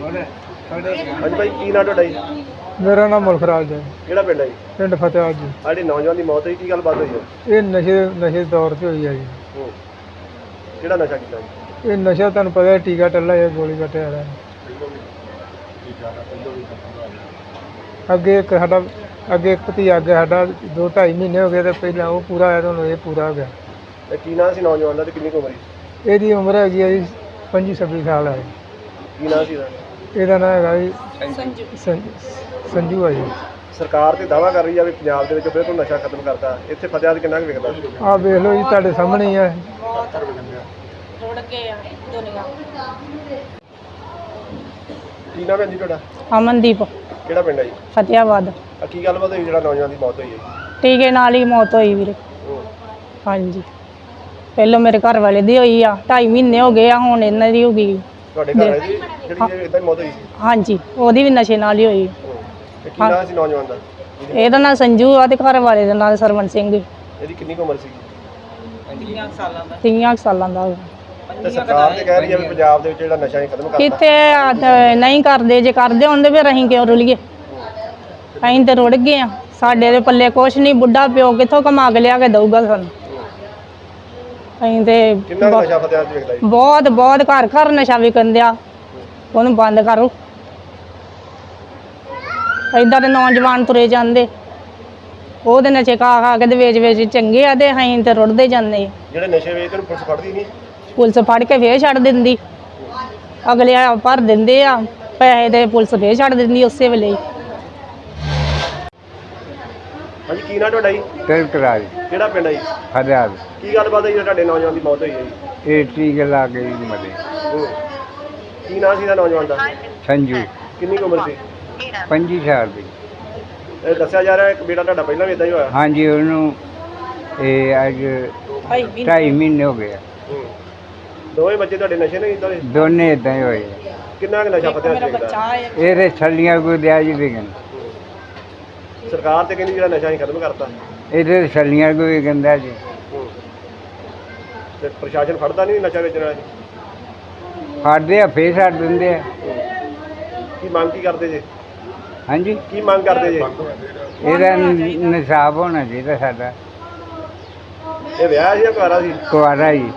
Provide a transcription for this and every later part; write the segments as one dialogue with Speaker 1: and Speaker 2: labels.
Speaker 1: ਹਾਂਜੀ ਭਾਈ, ਕੀ ਨਾਂ ਤੁਹਾਡਾ ਜੀ?
Speaker 2: ਮੇਰਾ ਨਾਮ ਮੁਲਖਰਾਜ ਹੈ।
Speaker 1: ਕਿਹੜਾ ਪਿੰਡ ਹੈ ਜੀ?
Speaker 2: ਪਿੰਡ ਫਤਿਆਬਾਦ ਜੀ।
Speaker 1: ਸਾਡੇ ਨੌਜਵਾਨ ਦੀ ਮੌਤ ਹੋਈ, ਕੀ ਗੱਲਬਾਤ ਹੋਈ ਹੈ?
Speaker 2: ਇਹ ਨਸ਼ੇ ਦੇ ਦੌਰ 'ਚ ਹੋਈ ਹੈ ਜੀ।
Speaker 1: ਕਿਹੜਾ ਨਸ਼ਾ ਕੀਤਾ ਜੀ?
Speaker 2: ਇਹ ਨਸ਼ਾ ਤੁਹਾਨੂੰ ਪਤਾ ਹੈ, ਟੀਕਾ ਟੱਲਾ ਜਾਂ ਗੋਲੀ ਕੱਟਿਆ ਰਿਹਾ। ਅੱਗੇ ਇੱਕ ਭਤੀਜਾ ਸਾਡਾ 2-2.5 ਮਹੀਨੇ ਹੋ ਗਏ ਤੇ ਪਹਿਲਾਂ ਉਹ ਪੂਰਾ ਹੋਇਆ, ਤੁਹਾਨੂੰ ਇਹ ਪੂਰਾ ਹੋ ਗਿਆ।
Speaker 1: ਤੇ ਕੀ ਨਾਂ ਸੀ ਨੌਜਵਾਨ ਦਾ ਤੇ ਕਿੰਨੀ ਕੁ ਉਮਰ ਸੀ?
Speaker 2: ਇਹਦੀ ਉਮਰ ਹੈਗੀ ਹੈ ਜੀ 25-26 ਸਾਲ ਹੈ।
Speaker 1: ਕੀ ਨਾਂ ਸੀ ਇਹਦਾ?
Speaker 2: ਇਹਦਾ ਨਾਂ ਹੈਗਾ ਜੀ ਸੰਜੂ ਹੈ ਜੀ।
Speaker 1: ਸਰਕਾਰ ਤੇ ਦਾਅਵਾ ਕਰ ਰਹੀ ਆ ਵੀ ਪੰਜਾਬ ਦੇ ਵਿੱਚ ਬਿਲਕੁਲ ਨਸ਼ਾ ਖਤਮ ਕਰਤਾ। ਇੱਥੇ ਫਤਿਆਬਾਦ ਕਿੰਨਾ ਕੁ ਵਿਕਦਾ?
Speaker 2: ਆਹ ਵੇਖ ਲਓ ਜੀ, ਤੁਹਾਡੇ ਸਾਹਮਣੇ ਹੀ ਹੈ।
Speaker 3: ਰੁੜ ਗਏ ਆ ਦੁਨੀਆ।
Speaker 1: ਕੀ ਨਾਮ ਹੈ ਜੀ ਤੁਹਾਡਾ?
Speaker 3: ਅਮਨਦੀਪ,
Speaker 1: ਕਿਹੜਾ ਪਿੰਡ ਹੈ ਜੀ?
Speaker 3: ਫਤਿਆਬਾਦ।
Speaker 1: ਕੀ ਗੱਲਬਾਤ ਹੋਈ ਜਿਹੜਾ ਨੌਜਵਾਨ ਦੀ ਮੌਤ ਹੋਈ ਹੈ?
Speaker 3: ਟੀਕੇ ਨਾਲ ਹੀ ਮੌਤ ਹੋਈ ਵੀਰੇ। ਹਾਂਜੀ, ਪਹਿਲੋਂ ਮੇਰੇ ਘਰ ਵਾਲੇ ਦੀ ਹੋਈ ਆ, 2.5 ਮਹੀਨੇ ਹੋ ਗਏ ਆ, ਹੁਣ ਇਹਨਾਂ ਦੀ ਹੋ ਗਈ।
Speaker 1: ਤੁਹਾਡੇ ਘਰ ਹੈ ਜੀ ਜਿਹੜੀ ਇਦਾਂ ਮੌਤ ਹੋਈ ਸੀ?
Speaker 3: ਹਾਂਜੀ, ਉਹਦੀ ਵੀ ਨਸ਼ੇ ਨਾਲ ਹੀ ਹੋਈ।
Speaker 1: ਤੇ ਕੀ ਨਾਂ ਸੀ ਨੌਜਵਾਨ ਦਾ?
Speaker 3: ਇਹਦਾ ਨਾਂ ਸੰਜੂ ਆ ਤੇ ਘਰ ਵਾਲੇ ਦਾ ਨਾਂ ਸਰਵਣ ਸਿੰਘ।
Speaker 1: ਇਹਦੀ ਕਿੰਨੀ ਕੁ ਉਮਰ ਸੀ?
Speaker 3: 30 ਸਾਲਾਂ ਦਾ।
Speaker 1: ਤੇ ਸਰਕਾਰ ਤੇ ਕਹਿ ਰਹੀ ਆ ਵੀ ਪੰਜਾਬ ਦੇ ਵਿੱਚ ਜਿਹੜਾ ਨਸ਼ਾ ਹੀ ਖਤਮ ਕਰਤਾ।
Speaker 3: ਕਿੱਥੇ ਨਹੀਂ ਕਰਦੇ, ਜੇ ਕਰਦੇ ਹੁੰਦੇ ਫਿਰ ਅਸੀਂ ਕਿਉਂ ਰੁਲੀਏ? ਅਸੀਂ ਤੇ ਰੁੜ ਗਏ ਆ, ਸਾਡੇ ਦੇ ਪੱਲੇ ਕੁਛ ਨਹੀਂ। ਬੁੱਢਾ ਪਿਓ ਕਿੱਥੋਂ ਕਮਾ ਕੇ ਲਿਆ ਕੇ ਦਊਗਾ ਸਾਨੂੰ? ਅਸੀਂ ਤੇ
Speaker 1: ਕਿੰਨਾ ਨਸ਼ਾ ਫਤਿਆਬਾਦ 'ਚ ਵਿਕਦਾ ਜੀ?
Speaker 3: ਬਹੁਤ ਘਰ ਘਰ ਨਸ਼ਾ ਵਿਕਣ ਦਿਆ। ਉਹਨੂੰ ਬੰਦ ਕਰੋ। ਏਦਾਂ ਦੇ ਨੌਜਵਾਨ ਤੁਰੇ ਜਾਂਦੇ, ਉਹਦੇ ਨਸ਼ੇ ਖਾ ਕੇ ਤੇ ਵੇਚ ਚੰਗੇ ਆ, ਤੇ ਅਸੀਂ ਤੇ ਰੁੜਦੇ ਜਾਂਦੇ।
Speaker 1: ਜਿਹੜੇ ਨਸ਼ੇ ਵੇਚਦੇ ਨੂੰ ਪੁਲਿਸ ਫੜਦੀ ਨਹੀਂ?
Speaker 3: ਪੁਲਿਸ ਫੜ ਕੇ ਫੇਰ ਛੱਡ ਦਿੰਦੀ। ਅਗਲੇ ਭਰ ਦਿੰਦੇ ਆ ਪੈਸੇ ਤੇ ਪੁਲਿਸ ਫੇਰ ਛੱਡ ਦਿੰਦੀ ਉਸੇ ਵੇਲੇ ਹੀ।
Speaker 1: ਹਾਂਜੀ, ਕੀ ਨਾਂ ਤੁਹਾਡਾ ਜੀ?
Speaker 2: ਤਿਲਕਰਾਜ
Speaker 1: ਕਿਹੜਾ ਪਿੰਡ ਹੈ ਜੀ?
Speaker 2: ਫਤਿਆਬਾਦ।
Speaker 1: ਕੀ ਗੱਲਬਾਤ ਹੋਈ ਤੁਹਾਡੇ ਨੌਜਵਾਨ ਦੀ ਮੌਤ ਹੋਈ ਹੈ ਜੀ?
Speaker 2: ਇਹ ਟੀਕੇ ਲਾ ਕੇ ਮਰੇ।
Speaker 1: ਕੀ ਨਾਂ ਸੀ ਇਹਦਾ ਨੌਜਵਾਨ ਦਾ?
Speaker 2: ਸੰਜੂ,
Speaker 1: ਕਿੰਨੀ ਕੁ ਉਮਰ ਸੀ?
Speaker 2: 25 ਸਾਲ ਦੀ।
Speaker 1: ਇਹ ਦੱਸਿਆ ਜਾ ਰਿਹਾ ਇੱਕ ਬੇਟਾ ਤੁਹਾਡਾ ਪਹਿਲਾਂ ਵੀ ਇਦਾਂ ਹੀ ਹੋਇਆ?
Speaker 2: ਹਾਂਜੀ, ਉਹਨੂੰ ਇਹ ਅੱਜ 2.5 ਮਹੀਨੇ ਹੋ ਗਏ।
Speaker 1: ਦੋਵੇਂ ਬੱਚੇ ਤੁਹਾਡੇ ਨਸ਼ੇ ਨਹੀਂ ਕੀਤਾ?
Speaker 2: ਦੋਨੇ ਇਦਾਂ ਹੀ ਹੋਏ।
Speaker 1: ਕਿੰਨਾ ਕੁ ਨਸ਼ਾ ਫਤਿਆਬਾਦ 'ਚ ਵਿਕਦਾ?
Speaker 2: ਇਹਦੇ ਛੱਲੀਆਂ ਕੋਈ ਦਿਆ ਜੀ ਵਿਕਣ।
Speaker 1: ਸਰਕਾਰ ਤੇ ਕਹਿੰਦੀ ਜਿਹੜਾ ਨਸ਼ਾ ਹੀ ਖਤਮ ਕਰਤਾ।
Speaker 2: ਇਹਦੇ ਛੱਲੀਆਂ ਕੋਈ ਵਿਕਦਾ ਜੀ।
Speaker 1: ਤੇ ਪ੍ਰਸ਼ਾਸਨ ਫੜਦਾ ਨਹੀਂ ਨਸ਼ਾ ਵੇਚਣ ਵਾਲੇ?
Speaker 2: ਫੜਦੇ ਆ ਫੇਰ ਛੱਡ ਦਿੰਦੇ ਆ।
Speaker 1: ਕੀ ਮੰਗ ਕੀ ਕਰਦੇ ਜੇ?
Speaker 2: ਹਾਂਜੀ,
Speaker 1: ਕੀ ਮੰਗ ਕਰਦੇ ਜੇ?
Speaker 2: ਇਹਦਾ ਇਨਸਾਫ ਹੋਣਾ ਚਾਹੀਦਾ ਸਾਡਾ।
Speaker 1: ਇਹ ਵਿਆਹ ਸੀ ਜਾਂ ਕੁਆਰਾ ਸੀ?
Speaker 2: ਕੁਆਰਾ ਜੀ।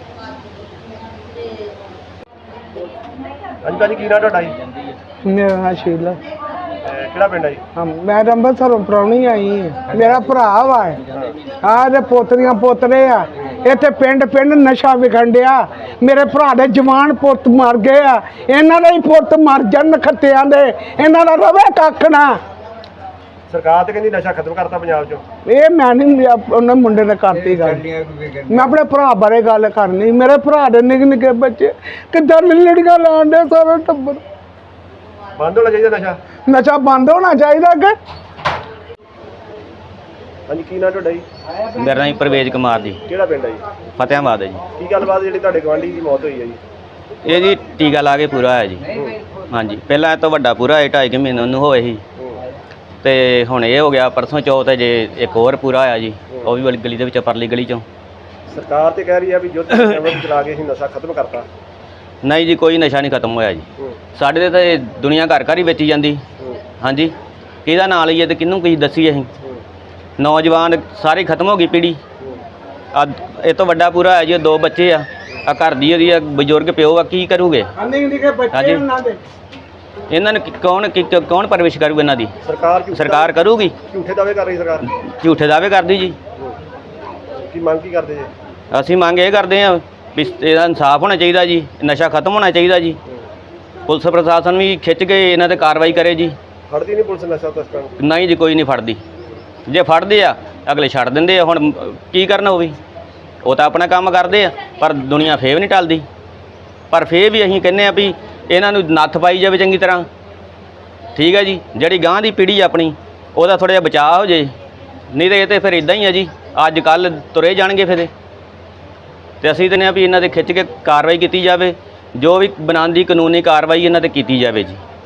Speaker 1: ਹਾਂਜੀ ਭਾਜੀ, ਕੀ ਨਾਂ ਤੁਹਾਡਾ ਜੀ?
Speaker 2: ਮੇਰਾ ਨਾਂ ਸ਼ੀਲਾ।
Speaker 1: ਕਿਹੜਾ ਪਿੰਡ ਹੈ ਜੀ?
Speaker 2: ਹਾਂ, ਮੈਂ ਤਾਂ ਅੰਮ੍ਰਿਤਸਰੋਂ ਪ੍ਰਾਹੁਣੀ ਆਈ ਹਾਂ। ਮੇਰਾ ਭਰਾ ਵਾ ਆਹ ਦੇ ਪੋਤਰੀਆਂ ਪੋਤਰੇ ਆ। ਇੱਥੇ ਪਿੰਡ ਨਸ਼ਾ ਵਿਖਣ ਡਿਆ। ਮੇਰੇ ਭਰਾ ਦੇ ਜਵਾਨ ਪੁੱਤ ਮਰ ਗਏ ਆ। ਇਹਨਾਂ ਦੇ ਹੀ ਪੁੱਤ ਮਰ ਜਾਣ ਖੱਤਿਆਂ ਦੇ, ਇਹਨਾਂ ਦਾ ਰਵੇ ਕੱਖ ਨਾ।
Speaker 1: ਸਰਕਾਰ ਤੇ ਕਹਿੰਦੀ ਨਸ਼ਾ ਖਤਮ ਕਰਤਾ ਪੰਜਾਬ 'ਚੋਂ।
Speaker 2: ਇਹ ਮੈਂ ਨਹੀਂ ਉਹਨਾਂ ਮੁੰਡੇ ਨੇ ਕਰਤੀ ਗੱਲ। ਮੈਂ ਆਪਣੇ ਭਰਾ ਬਾਰੇ ਗੱਲ ਕਰਨੀ। ਮੇਰੇ ਭਰਾ ਦੇ ਨਿੱਕੇ ਨਿੱਕੇ ਬੱਚੇ ਕਿੱਦਾਂ ਲੜੀਆਂ ਲਾਉਣ ਦੇ, ਸਾਰਾ ਟੱਬਰ।
Speaker 1: ਬੰਦ ਹੋਣਾ ਚਾਹੀਦਾ ਨਸ਼ਾ।
Speaker 2: ਨਸ਼ਾ ਬੰਦ ਹੋਣਾ ਚਾਹੀਦਾ ਕਿ?
Speaker 1: ਹਾਂਜੀ, ਕੀ ਨਾਂ ਤੁਹਾਡਾ ਜੀ?
Speaker 4: ਮੇਰਾ ਨਾਮ ਪ੍ਰਵੇਜ ਕੁਮਾਰ ਜੀ।
Speaker 1: ਕਿਹੜਾ ਪਿੰਡ ਹੈ ਜੀ?
Speaker 4: ਫਤਿਆਬਾਦ ਹੈ ਜੀ।
Speaker 1: ਕੀ ਗੱਲਬਾਤ ਜਿਹੜੀ ਤੁਹਾਡੇ ਗਵਾਂਢੀ ਦੀ ਮੌਤ ਹੋਈ ਹੈ ਜੀ?
Speaker 4: ਇਹ ਜੀ ਟੀਕਾ ਲਾ ਕੇ ਪੂਰਾ ਹੋਇਆ ਜੀ। ਹਾਂਜੀ, ਪਹਿਲਾਂ ਇਹ ਤੋਂ ਵੱਡਾ ਪੂਰਾ ਹੋਇਆ 2.5 ਮਹੀਨੇ ਉਹਨੂੰ ਹੋਏ ਸੀ, ਤੇ ਹੁਣ ਇਹ ਹੋ ਗਿਆ ਪਰਸੋਂ ਚੌਥ ਜੇ ਇੱਕ ਹੋਰ ਪੂਰਾ ਹੋਇਆ ਜੀ, ਉਹ ਵੀ ਵਾਲੀ ਗਲੀ ਦੇ ਵਿੱਚ, ਪਰਲੀ ਗਲੀ 'ਚੋਂ।
Speaker 1: ਸਰਕਾਰ ਤੇ ਕਹਿ ਰਹੀ ਆ ਵੀ ਯੁੱਧ ਚਲਾ ਕੇ ਅਸੀਂ ਨਸ਼ਾ ਖਤਮ ਕਰਤਾ।
Speaker 4: ਨਹੀਂ ਜੀ, ਕੋਈ ਨਸ਼ਾ ਨਹੀਂ ਖਤਮ ਹੋਇਆ ਜੀ। ਸਾਡੇ ਦੇ ਤਾਂ ਦੁਨੀਆ ਘਰ ਘਰ ਹੀ ਵੇਚੀ ਜਾਂਦੀ। ਹਾਂਜੀ, ਕਿਹਦਾ ਨਾਂ ਲਈਏ ਤੇ ਕਿਹਨੂੰ ਕੀ ਦੱਸੀਏ ਅਸੀਂ? ਨੌਜਵਾਨ ਸਾਰੇ ਖਤਮ ਹੋ ਗਈ ਪੀੜ੍ਹੀ। ਇਹ ਤੋਂ ਵੱਡਾ ਪੂਰਾ ਹੈ ਜੀ, 2 ਬੱਚੇ ਆ ਘਰ ਦੀ, ਉਹਦੀ ਬਜ਼ੁਰਗ ਪਿਓ ਆ, ਕੀ ਕਰੂਗੇ? ਹਾਂਜੀ, ਇਹਨਾਂ ਨੂੰ ਕੌਣ ਪਰਵਰਿਸ਼ ਕਰੂਗਾ ਇਹਨਾਂ ਦੀ? ਸਰਕਾਰ ਕਰੂਗੀ।
Speaker 1: ਝੂਠੇ ਦਾਅਵੇ ਕਰ ਰਹੀ ਸਰਕਾਰ।
Speaker 4: ਝੂਠੇ ਦਾਅਵੇ ਕਰਦੀ ਜੀ।
Speaker 1: ਕੀ ਮੰਗ ਕੀ ਕਰਦੇ ਜੀ?
Speaker 4: ਅਸੀਂ ਮੰਗ ਇਹ ਕਰਦੇ ਹਾਂ ਵੀ ਇਹਦਾ ਇਨਸਾਫ ਹੋਣਾ ਚਾਹੀਦਾ ਜੀ, ਨਸ਼ਾ ਖਤਮ ਹੋਣਾ ਚਾਹੀਦਾ ਜੀ। ਪੁਲਿਸ ਪ੍ਰਸ਼ਾਸਨ ਵੀ ਖਿੱਚ ਕੇ ਇਹਨਾਂ 'ਤੇ ਕਾਰਵਾਈ ਕਰੇ ਜੀ।
Speaker 1: ਫੜਦੀ ਨਹੀਂ ਪੁਲਿਸ ਨਸ਼ਾ ਤਸਕਰਾਂ ਨੂੰ?
Speaker 4: ਨਹੀਂ ਜੀ, ਕੋਈ ਨਹੀਂ ਫੜਦੀ। ਜੇ ਫੜਦੇ ਆ ਅਗਲੇ ਛੱਡ ਦਿੰਦੇ ਆ। ਹੁਣ ਕੀ ਕਰਨਾ ਉਹ ਵੀ, ਉਹ ਤਾਂ ਆਪਣਾ ਕੰਮ ਕਰਦੇ ਆ, ਪਰ ਦੁਨੀਆ ਫੇਰ ਵੀ ਨਹੀਂ ਟਲਦੀ। ਪਰ ਫੇਰ ਵੀ ਅਸੀਂ ਕਹਿੰਦੇ ਆ ਵੀ ਇਹਨਾਂ ਨੂੰ ਨੱਥ ਪਾਈ ਜਾਵੇ ਚੰਗੀ ਤਰ੍ਹਾਂ। ਠੀਕ ਹੈ ਜੀ, ਜਿਹੜੀ ਗਾਂਹ ਦੀ ਪੀੜ੍ਹੀ ਆਪਣੀ, ਉਹਦਾ ਥੋੜ੍ਹਾ ਜਿਹਾ ਬਚਾਅ ਹੋ ਜੇ। ਨਹੀਂ ਤਾਂ ਇਹ ਤਾਂ ਫਿਰ ਇੱਦਾਂ ਹੀ ਆ ਜੀ, ਅੱਜ ਕੱਲ੍ਹ ਤੁਰੇ ਜਾਣਗੇ ਫਿਰ। ਤੇ ਅਸੀਂ ਕਹਿੰਦੇ ਆ ਵੀ ਇਹਨਾਂ 'ਤੇ ਖਿੱਚ ਕੇ ਕਾਰਵਾਈ ਕੀਤੀ ਜਾਵੇ, ਜੋ ਵੀ ਬਣਾਉਣ ਦੀ ਕਾਨੂੰਨੀ ਕਾਰਵਾਈ ਇਹਨਾਂ 'ਤੇ ਕੀਤੀ ਜਾਵੇ ਜੀ।